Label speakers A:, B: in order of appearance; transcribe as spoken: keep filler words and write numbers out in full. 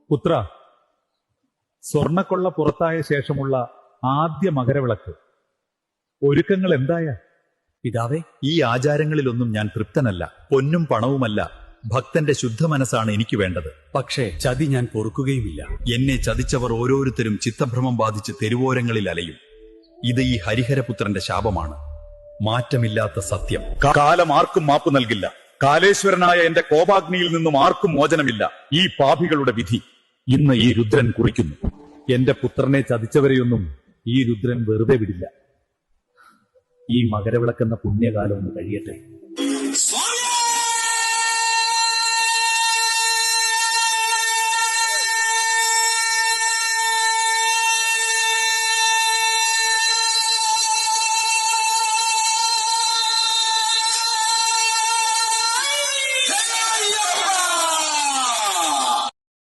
A: പുത്ര, സ്വർണക്കൊള്ള പുറത്തായ ശേഷമുള്ള ആദ്യ മകരവിളക്ക് ഒരുക്കങ്ങൾ എന്തായ?
B: പിതാവേ,
C: ഈ ആചാരങ്ങളിലൊന്നും ഞാൻ തൃപ്തനല്ല. പൊന്നും പണവുമല്ല, ഭക്തന്റെ ശുദ്ധ മനസ്സാണ് എനിക്ക് വേണ്ടത്.
B: പക്ഷേ ചതി ഞാൻ പൊറുക്കുകയുമില്ല.
C: എന്നെ ചതിച്ചവർ ഓരോരുത്തരും ചിത്തഭ്രമം ബാധിച്ച് തെരുവോരങ്ങളിൽ അലയും. ഇത് ഈ ഹരിഹരപുത്രന്റെ ശാപമാണ്. മാറ്റമില്ലാത്ത സത്യം. കാലം ആർക്കും മാപ്പ് നൽകില്ല. കാലേശ്വരനായ എന്റെ കോപാഗ്നിയിൽ നിന്നും ആർക്കും മോചനമില്ല. ഈ പാപികളുടെ വിധി ഇന്ന് ഈ രുദ്രൻ കുറിക്കുന്നു.
A: എന്റെ പുത്രനെ ചതിച്ചവരെയൊന്നും ഈ രുദ്രൻ വെറുതെ വിടില്ല. ഈ മകരവിളക്കെന്ന പുണ്യകാലം ഒന്ന് കഴിയട്ടെ.